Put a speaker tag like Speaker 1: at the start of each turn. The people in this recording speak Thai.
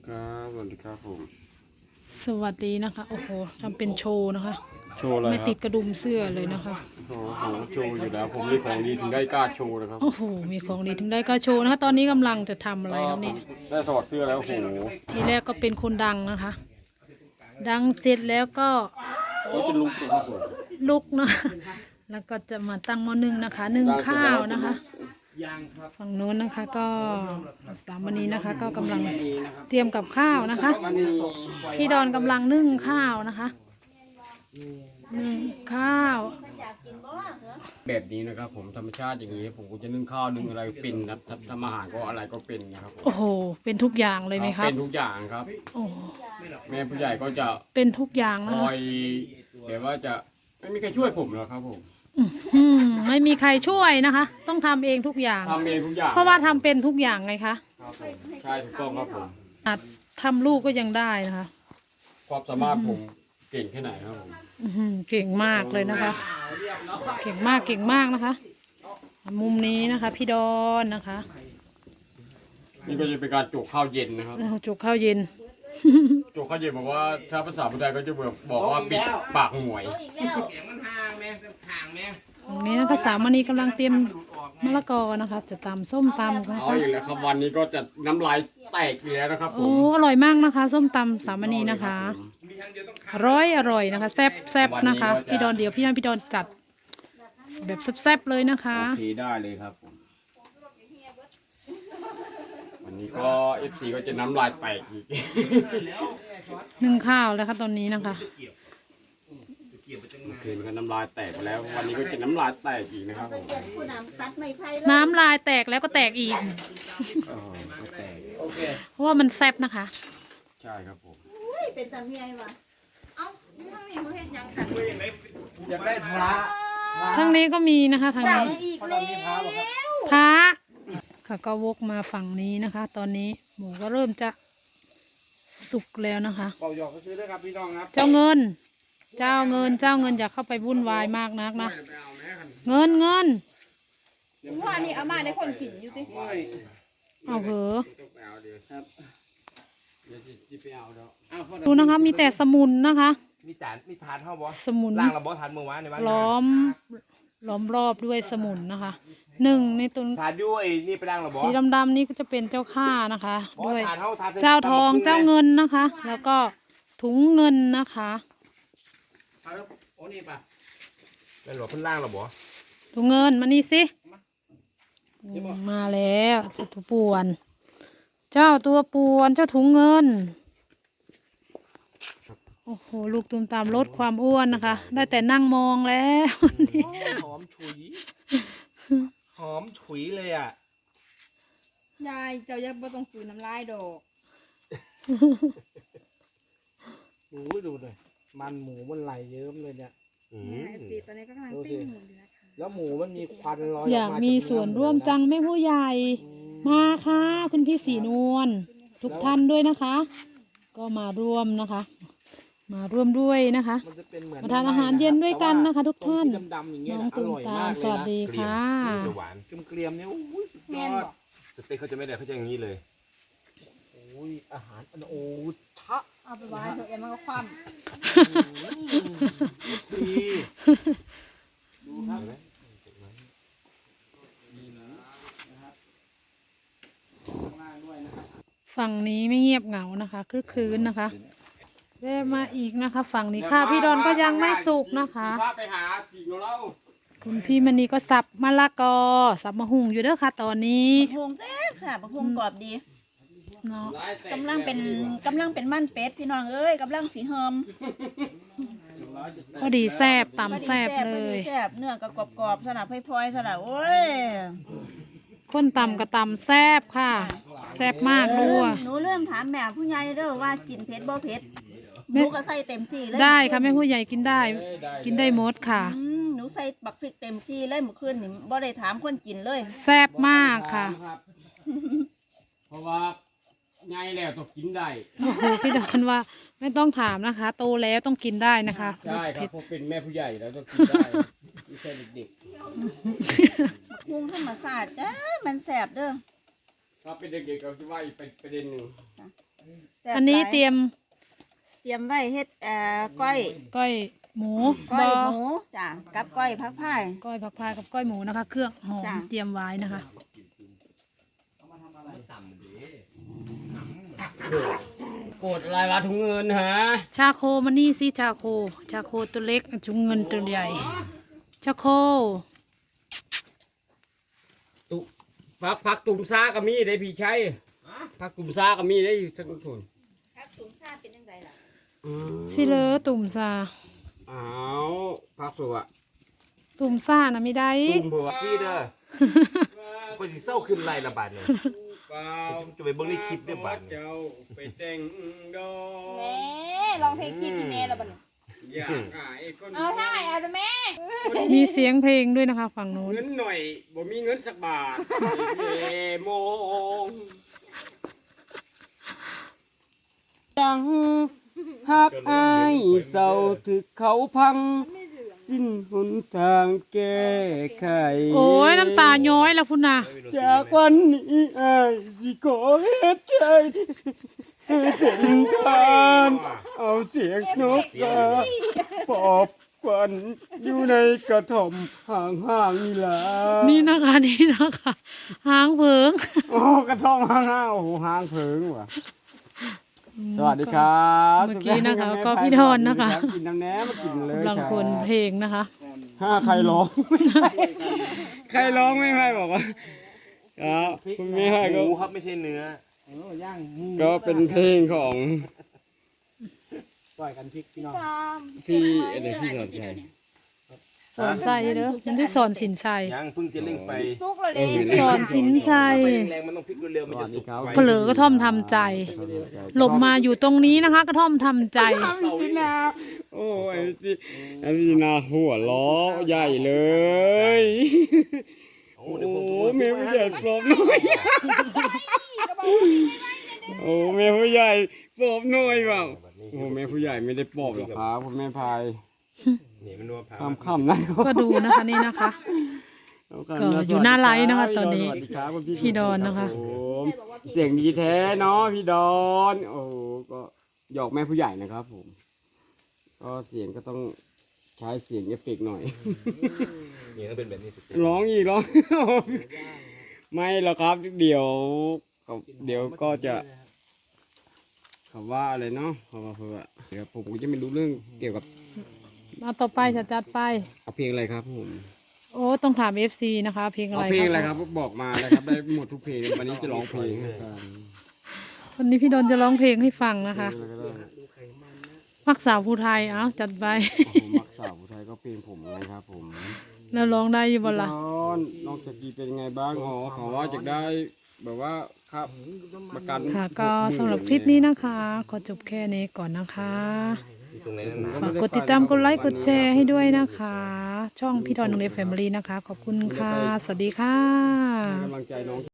Speaker 1: ครับสวัสดีครับผม
Speaker 2: สวัสดีนะคะโอ้โหทำเป็นโชว์นะคะ
Speaker 1: โชว์อะไร
Speaker 2: ไม่
Speaker 1: ครับ
Speaker 2: ติดกระดุมเสื้อเลยนะคะ
Speaker 1: โอ้โหโชว์อยู่แล้วผมมีของดีถึงได้กล้าโชว์นะครับ
Speaker 2: โอ้โหมีของดีถึงได้ก็โชว์นะคะตอนนี้กำลังจะทำอะไร
Speaker 1: ก็
Speaker 2: ครับ
Speaker 1: ผ
Speaker 2: นี่
Speaker 1: มได้ถอดเสื้อแล้วโอ้โห
Speaker 2: ทีแรกก็เป็นคนดังนะคะ ดังเสร็จแล้วก็
Speaker 1: ก็จะลุกนะครับผม
Speaker 2: ลุกนะแล้วก็จะมาตั้งหม้อนึ่งนะคะนึ่งข้าวนะคะฝั่งโน้นนะคะก็สามณีนะคะ ก็กำลังเตรียมกับข้าวนะคะพี่ดอนกำลังนึ่งข้าวนะคะนึ่งข้าว
Speaker 1: แบบนี้นะครับผมธรรมชาติอย่างนี้ผมก็จะนึ่งข้าวนึ่งอะไรเป็นครับทำอาหารก็อะไรก็เป็นนะครับผม
Speaker 2: โอ้โหเป็นทุกอย่างเลยไหมครับ
Speaker 1: เป็นทุกอย่างครับ
Speaker 2: โอ้
Speaker 1: แม่ผู้ใหญ่ก็จะ
Speaker 2: เป็นทุกอย่าง
Speaker 1: ค
Speaker 2: นะ
Speaker 1: อ
Speaker 2: คะ
Speaker 1: ยเดี๋ยวว่าจะไม่มีใครช่วยผมหรอกครับผม
Speaker 2: ไม่มีใครช่วยนะคะ ต้องทำเองทุกอย่าง
Speaker 1: ทำเองทุกอย่าง
Speaker 2: เพราะว่าทำเป็นทุกอย่างไงคะ
Speaker 1: ครับผมใช่ถูกต้องครับผม
Speaker 2: อาจทำลูกก็ยังได้นะคะ
Speaker 1: ความสามารถผมเก่งแค่ไหนครับผม
Speaker 2: เก่งมากเลยนะคะ เก่งมากเก่งมากนะคะ มุมนี้นะคะพี่ดอนนะคะ
Speaker 1: นี่ก็จะเป็นการโจกข้าวเย็นนะครับ
Speaker 2: แล้วจุกข้าวเย็น
Speaker 1: โจกข้าวเย็นบอกว่าถ้าภาษาพุทธไทยก็จะบอกว่าปิดปากหมวย
Speaker 2: ตรงนี้นะคะสามณีกำลังเตรียมมะละกอนะคะ จะตำส้มตำนะ
Speaker 1: เอา
Speaker 2: คะ
Speaker 1: อีกแล้วครับวันนี้ก็จะน้ำลายแตกอีกแล้วนะครับผ
Speaker 2: โอ้
Speaker 1: ม
Speaker 2: อร่อยมากนะคะ ส้มตำสามณีนะคะ อร่อยนะคะแซ่บๆนะคะพี่ดอนเดี๋ยวพี่ดอนจัดแบบแซ่บๆเลยนะคะ
Speaker 1: โอเคได้เลยครับผมวันนี้ก็ FC ก็จะน้ำลายแตกอีก
Speaker 2: นึ่งข้าวแล้วค่ะตอนนี้นะคะ
Speaker 1: เมื่อคืนก็น้ำลายแตกไปแล้ว วันนี้ก็จะน้ำลายแตกอีกนะครับผม
Speaker 2: น้ำลายแตกแล้วก็แตกอีก
Speaker 1: ก็แตก
Speaker 2: เพราะว่ามันแซ่บนะคะ
Speaker 1: ใช่ครับผม
Speaker 3: เป็นตาเมียวะเอ้าทั้งนี้เขาเห็นยังค่ะ
Speaker 4: อยากได้พระ
Speaker 2: ทางนี้ก็มีนะคะทาง
Speaker 3: สั่ง
Speaker 2: นี้
Speaker 3: อีกแล้ว
Speaker 2: พระค่ะก็วกมาฝั่งนี้นะคะ ตอนนี้หมูก็เริ่มจะสุกแล้วนะคะ
Speaker 4: เป่าหยอกก็ซื้อด้วยครับพี่น้องครับ
Speaker 2: เจ้าเงินอย่าเข้าไปวุ่นวายมากนักนะเงิน
Speaker 3: ว่านี่อามาได้คนกินอยู่ติ
Speaker 2: เอาเหอะ
Speaker 4: ครับ
Speaker 1: เดี๋ยวจะไปเอาเดี๋ยว
Speaker 4: อ้าวพ่อ
Speaker 2: ดูนะคะ มีแต่สมุนนะคะ
Speaker 4: มีทานเท่าบอ
Speaker 2: สมุน
Speaker 4: ล่างเราบอทานเมื่อวานในบ้าน
Speaker 2: ล้อมรอบด้วยสมุนนะคะหนึ่งในตัว
Speaker 4: ทานด้วยนี่ไปล่างเราบอ
Speaker 2: สีดำๆนี่ก็จะเป็นเจ้าข้านะคะ
Speaker 4: บอ
Speaker 2: ด้วย
Speaker 4: ทานเท่าทาน
Speaker 2: เจ้าทองเจ้าเงินนะคะ แล้วก็ถุงเงินนะคะ
Speaker 4: โอ้นี่ป่ะนั่นหรอเพิ่นล่างเราบอ
Speaker 2: ถุงเงินมานี่สิมาแล้วเจ้าตัวป่วน เจ้าตัวป่วนเจ้าถุงเงินโอ้โหลูกตุ่มตามลดความอ้วนนะคะ ได้แต่นั่งมองแล้ว
Speaker 4: หอมฉุยหอมฉุยเลยอ่ะ
Speaker 3: ยายเจ้าอย่าบ่ต้องฝืนน้ำลายดอก
Speaker 4: ดูเลยมันหมูมันไหลเยิ้มเลยเนี่ย
Speaker 3: เนี่ยสิตอนนี้ก็กำลังปิ้งหมูอยู่นะคะ
Speaker 4: แล้วหมูมันมีควันลอย
Speaker 2: อยากมีส่วนร่วมจังแม่ผู้ใหญ่ มาค่ะคุณพี่สีนวลทุกท่านด้วยนะคะ ก็มาร่วมนะคะ มาร่วมด้วยนะคะ
Speaker 4: มันจะเป็นเหมือน
Speaker 2: มาทานอาหารเย็นด้วยกันนะคะทุกท่าน
Speaker 4: ตรงที่ดำๆอย่างเงี้ย
Speaker 2: น้อง
Speaker 4: อ
Speaker 2: ตุ่ม
Speaker 4: ร่อย
Speaker 2: ตาม
Speaker 4: าก
Speaker 2: ม
Speaker 4: เลย
Speaker 2: สวัส
Speaker 4: นะ
Speaker 2: ดีค่ะ
Speaker 5: จะหวาน
Speaker 4: เกลียมๆเนี่ยโอ้ยสุดย
Speaker 3: แม่
Speaker 4: อน ด
Speaker 3: บอก
Speaker 5: สเต็กเขาจะไม่ได้เขาจะอย่างนี้เลย
Speaker 4: โอ้ยอาหารอันโอ้ทะ
Speaker 3: เอาไปไว้เถอะเอ็มมันก็คว่
Speaker 4: สีดูครับ
Speaker 2: ฝั่งนี้ไม่เงียบเหงานะคะคลึกคลื้นนะคะแวะมาอีกนะคะ ฝั่งนี้ค่ะพี่ดอนก็ยังไม่สุกนะคะ
Speaker 1: พาไปหาสิ่งของเรา
Speaker 2: คุณพี่มณีก็สับมะละกอสับมะฮุ่งอยู่เด้อค่ะ ตอนนี้
Speaker 6: พงแซ่บค่ะบักฮงกรอบดี
Speaker 2: เนาะ
Speaker 6: กำลังเป็นมันเป็ดพี่น้องเอ้ยกำลังสีเฮิม
Speaker 2: พอดีแซบตำแซบ
Speaker 6: พอ
Speaker 2: เล
Speaker 6: ดี
Speaker 2: ย
Speaker 6: แซ่บเนื้อก็กรอบๆสนับพลอยๆสนับโอ้ย
Speaker 2: คนตำก็ตำแซบค่ะ แซบมากด้วย
Speaker 6: หนูเริ่มถามแม่ผู้ใหญ่เด้อว่ากินเผ็ดบ่เผ็ดห
Speaker 2: แม่
Speaker 6: นูก็ใส่เต็มที่เลย
Speaker 2: ได้ค่ะแม่ผู้ใหญ่กินได้ กินได้หมดค่ะ
Speaker 6: หนูใส่บักพริกเต็มที่เลยเมื่อคืนนี่บ่ได้ถามคนกินเลย
Speaker 2: แซบมากค่ะ
Speaker 1: รับเพราะว่าไงแล้วต้องกินได้
Speaker 2: โอ้โหพี่ดอนว่าไม่ต้องถามนะคะ โตแล้วต้องกินได้นะคะ
Speaker 1: ใช่ครั
Speaker 2: เผ็
Speaker 1: บ
Speaker 2: ด
Speaker 1: เพราะเป็นแม่ผู้ใหญ่แล้วต้องกินได้ไม่ใช่เด็ก
Speaker 6: ปรุงธรรมชาติจ้ามันแซ่บเด้อ
Speaker 1: ๆถ้าเป็นเด็กๆก็จะว่าอีกประเด็นหนึ่ง
Speaker 6: แซ่บ
Speaker 2: อันนี้
Speaker 6: หลาย
Speaker 2: เตรียม
Speaker 6: เตรียมไว้เฮ็ดก้อย
Speaker 2: ก้อยหมู
Speaker 6: ก้อย
Speaker 2: บ
Speaker 6: หมูจ้ะกับก้อยผักพาย
Speaker 2: ก้อยผักพายกับก้อยหมูนะคะ เครื่องหอม
Speaker 6: จ้ะ
Speaker 2: เตรียมไว้นะคะ
Speaker 1: โกรธอะไรวะถุงเงินฮะ
Speaker 2: ชาโคมานี่สิชาโคตัวเล็กจุงเงินตัวใหญ่ ชาโค
Speaker 1: ตุพักตุ่มซาก็มีได้พี่ชัยพักตุ่มซาก็มีได้ทั้งคน
Speaker 3: ครับถุงซาเป็นจังไดล่ะ
Speaker 2: สิเลอตุ่มซา
Speaker 1: อ้าวพักสุอะ
Speaker 2: ตุ่มซานะไม่ได้
Speaker 1: ตุ่มบัว
Speaker 5: ซี่เด้อคนสิเศร้าขึ้นไรละบาดเนี่ย
Speaker 1: เปล่า
Speaker 5: จะไปเบิ่งในคลิปเด้อบาดเนี่ย
Speaker 1: เจ้าไปแต่งดอ
Speaker 3: แม่ลองเพลงจีบอีเมลแล้วบัดนี้
Speaker 1: อยากหายคน
Speaker 3: เอาท่าเอาเด้อแม่
Speaker 2: มีเสียงเพลงด้วยนะคะ ฝั่งโน้น
Speaker 1: เงินหน่อยบ่มีเงินสักบาทเยโมงยังหักอายเศร้าถึกเขาพัง สิ้นหนทางแก้ไข
Speaker 2: โอ้ยน้ำตาย้อยแล้วพุ่นนะ
Speaker 1: จากวันนี้อายสิขอเฮ็ดใจให้เป็นทานเอาเสียงนกกาปอบควันอยู่ในกระท่อมห่างๆนี่ล่ะ
Speaker 2: นี่นะคะหางเผิง
Speaker 1: โอ้กระท่อมห่างๆโอ้โหห่างเพิงว่ะสวัสดีครับ
Speaker 2: เมื่อกี้นะคะก็พี่ดอนนะคะ
Speaker 1: กินน้ำแหนมมากินเลย
Speaker 2: กำลังคนเพลงนะคะ
Speaker 1: ถ้าใครร้องไม่ให้ใครร้องไม่ให้บอกว่าครับคุณไม่ให้
Speaker 5: ห
Speaker 1: ก็
Speaker 5: มูครับไม่ใช่เนื้อ
Speaker 1: ก็เป็นเพลงของ
Speaker 3: ตาม
Speaker 1: พี่อะไรพี่สอนชัย
Speaker 2: สอนใจเด้อมันได้สอนสินชัย
Speaker 5: ยังเพิ่งจะเร่งไฟ
Speaker 3: สุกเลยเด้
Speaker 2: สอนสินชัย
Speaker 5: ไฟแรงๆมันต้องพลิกเร็วๆมันจะสุกไว
Speaker 2: เผลอกระท่อมทำใจหลบมาอยู่ตรงนี้นะคะ กระท่อมทำใจ
Speaker 1: พี่นาโอ้ยพี่นาหัวล้อใหญ่เลย
Speaker 5: โอ้
Speaker 1: โอ้
Speaker 5: เดี๋ยวผม
Speaker 1: เมียผู้ใหญ่ปลอบหน่อยโอ้เมียผู้ใหญ่ปลอบหน่อยเปล่าโอ้เมียผู้ใหญ่ไม่ได้ปลอบหรอกครับคุณแม่พาย
Speaker 5: นี่มันนัวพา
Speaker 1: ค่ำๆนะ
Speaker 2: ก็ดูนะคะนี่นะคะ ก็อยู่หน้าไลฟ์นะคะตอนนี้
Speaker 1: สวัสดีครับคุณ
Speaker 2: พี่ดอนนะคะ
Speaker 1: รับผมเสียงดีแท้เนาะพี่ดอนโอ้โหก็หยอกแม่ผู้ใหญ่นะครับผมก็เสียงก็ต้องใช้เสียงเอฟเฟกต์หน่อย
Speaker 5: นี่ก็เป็นแบบนี้สุด
Speaker 1: ร้องอีกร้อง ไม่หรอกครับเดี๋ยวก็จะคำว่าอะไรเนาะคำว่าเพื่อเดี๋ยวผมก็จะไม่รู้เรื่องเกี่ยวกับ
Speaker 2: เอาต่อไปจะจัดไป
Speaker 1: เอาเพลงอะไรครับผม
Speaker 2: โอ้ต้องถาม FC นะคะ เพลงอะ
Speaker 1: เอา
Speaker 2: ไร
Speaker 1: เพลงอะไรครับบอกมาเลยครับได้หมดทุกเพลงวันนี้จะร้องเพลงให้ฟัง
Speaker 2: วันนี้พี่ดอนจะร้องเพลงให้ฟังนะคะ
Speaker 1: เพลงอะไรก็ได้
Speaker 2: มักสาวผู้ไทยเอาจัดไป
Speaker 1: ผมมักสาวผู้ไทยก็เพลงผมนะครับผม
Speaker 2: แล้วร้องได้อยู่บ่ล่ะ
Speaker 1: น้องจากกีเป็นยังไงบ้างอ๋อเขาว่าจะได้แบบว่าครับประกัน
Speaker 2: ค่ะ ก็สำหรับคลิปนี้นะคะขอจบแค่นี้ก่อนนะคะ
Speaker 5: อยู่ตรงไหนนั่นนะ
Speaker 2: ฝากกดติดตามกดไลค์กดแชร์ให้ด้วยนะคะ ช่องพี่ดอนโรงเรียนแฟมิลี่นะคะ ขอบคุณค่ะ สวัสดีค่ะ
Speaker 1: ให้กำลังใจน้อง